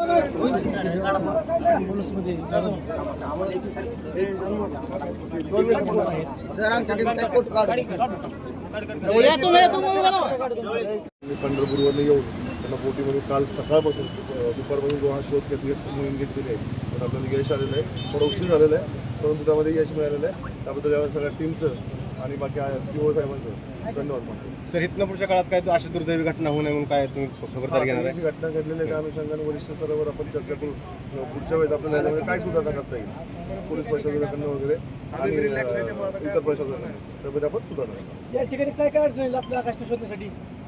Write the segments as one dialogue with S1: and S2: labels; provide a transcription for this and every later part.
S1: पंढरपूरवरून येऊन त्यांना बोटीमध्ये काल सकाळपासून दुपारपासून जो हा शोध मोहीम घेतलेली आहे तर आपल्याला यश आलेलं आहे. थोडं उशीर झालेलं आहे परंतु त्यामध्ये यश मिळालेलं आहे. त्याबद्दल या सगळ्या टीमचं आणि बाकी CO साहेबांचं धन्यवाद मानतो.
S2: सर, इथनं पुढच्या काळात काय अशी दुर्दैवी घटना होऊ नये म्हणून काय तुम्ही खबरदारी घेणार आहे?
S1: घटना घडलेली आहे अनुषंगाने वरिष्ठ स्तरावर आपण चर्चा करू. पुढच्या वेळेस आपल्याला याच्यामध्ये काय सुधारणा करता येईल पोलीस प्रशासनाकडनं वगैरे आणि इतर प्रशासनाकडनं त्यामध्ये आपण सुधारणा करू.
S3: या ठिकाणी काय काय अडचणी आपल्या आकाश शोधण्यासाठी?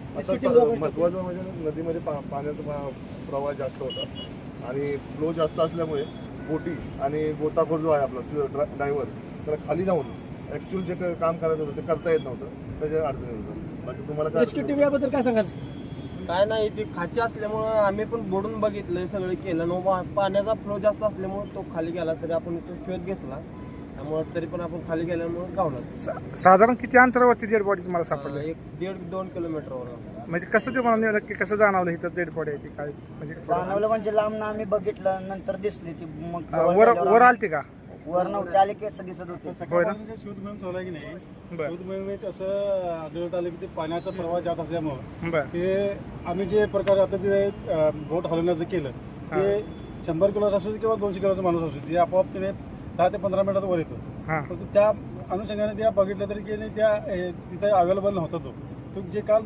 S1: महत्त्वाचं म्हणजे नदीमध्ये पाण्याचा प्रवाह जास्त होता आणि फ्लो जास्त असल्यामुळे बोटी आणि गोताखोर जो आहे आपला ड्रायव्हर त्याला खाली जाऊन ॲक्च्युअल जे काम करायचं होतं ते करता येत नव्हतं. त्याच्या अडचणी होतं. बाकी तुम्हाला काय
S3: रेस्क्यू टीम याबद्दल काय सांगाल?
S4: काय नाही, ती खाची असल्यामुळं आम्ही पण बोडून बघितलं, सगळं केलं. पाण्याचा फ्लो जास्त असल्यामुळं तो खाली गेला तरी आपण तो शोध घेतला. त्यामुळं तरी पण आपण खाली गेल्यामुळे गावला.
S5: साधारण किती अंतरावरती डेड बॉडी तुम्हाला सापडलं?
S4: 1.5-2 किलोमीटरवर.
S5: म्हणजे कसं तुम्हाला नक्की कसं जाणवलं इथं डेड बॉडी आहे ती काय? म्हणजे
S6: जाणवलं म्हणजे लांब ना आम्ही बघितलं नंतर दिसली ती. मग
S5: वर आलती का?
S6: वर नव्हते आले केस दिसत होते.
S7: सकाळपासून शोध मोहीम चालू आहे की नाही, शोध मोहिमेत असं आढळत आलं की ते पाण्याचा प्रवाह जास्त असल्यामुळं ते आम्ही जे प्रकारे आता ते बोट हलवण्याचं केलं ते 100 किलोचा असू किंवा 200 किलोचा माणूस असू ते आपोआप तिने 10 ते 15 मिनिटात वर येतो. परंतु त्या अनुषंगाने त्या बघितलं तरी की त्या तिथे अवेलेबल नव्हता तो जे काल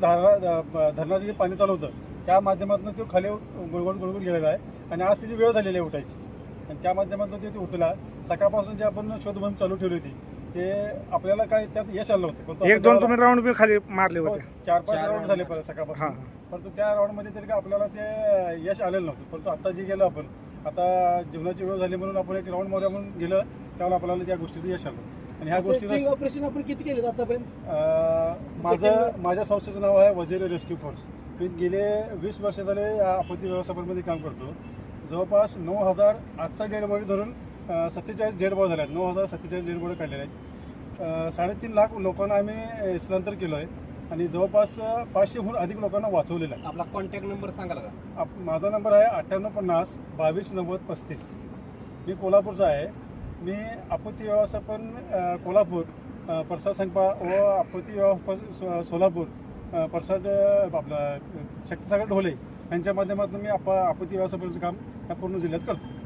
S7: धरणाचं जे पाणी चालू होतं त्या माध्यमातून तो खाली गुळगुळ गेलेला आहे आणि आज त्याची वेळ झालेली आहे उठायची आणि त्या माध्यमातून ते उठला. सकाळपासून जे आपण शोध मोहीम चालू ठेवली होती ते आपल्याला काय त्यात यश आलं नव्हतं.
S5: 1-2 तुम्ही राऊंड बी खाली मारले होते?
S7: 4-5 राऊंड झाले सकाळपासून. परंतु त्या राऊंडमध्ये तरी आपल्याला ते यश आलेलं नव्हतं. परंतु आता जे गेलं आपण आता जीवनाची वेळ झाली म्हणून आपण एक राऊंड मारूया म्हणून गेलं त्यावेळेला आपल्याला त्या गोष्टीचं यश आलं. आणि ह्या गोष्टीचं
S3: ऑपरेशन आपण किती केले आतापर्यंत?
S7: माझ्या संस्थेचं नाव आहे वजीर रेस्क्यू फोर्स. मी गेले 20 वर्ष झाले या आपत्ती व्यवस्थापनामध्ये काम करतो. जवळपास 9,000 आजचा डेड बॉडी धरून 47 डेड बॉडी झाल्या आहेत. 9,047 डेड बॉडी काढलेल्या आहेत. 3.5 लाख लोकांना आम्ही स्थलांतर केलं आहे आणि जवळपास 500हून अधिक लोकांना वाचवलेलं आहे.
S2: आपला कॉन्टॅक्ट नंबर सांगाल का?
S7: माझा नंबर आहे 9850 229035. मी कोल्हापूरचा आहे. मी आपत्ती व्यवस्थापन कोल्हापूर, प्रसाद संगपा व आपत्ती व्यवस्थापन सोलापूर, प्रसाद आपला शक्तिसागर ढोले यांच्या माध्यमातून मी आपत्ती व्यवस्थापनाचं काम या पूर्ण जिल्ह्यात करतो.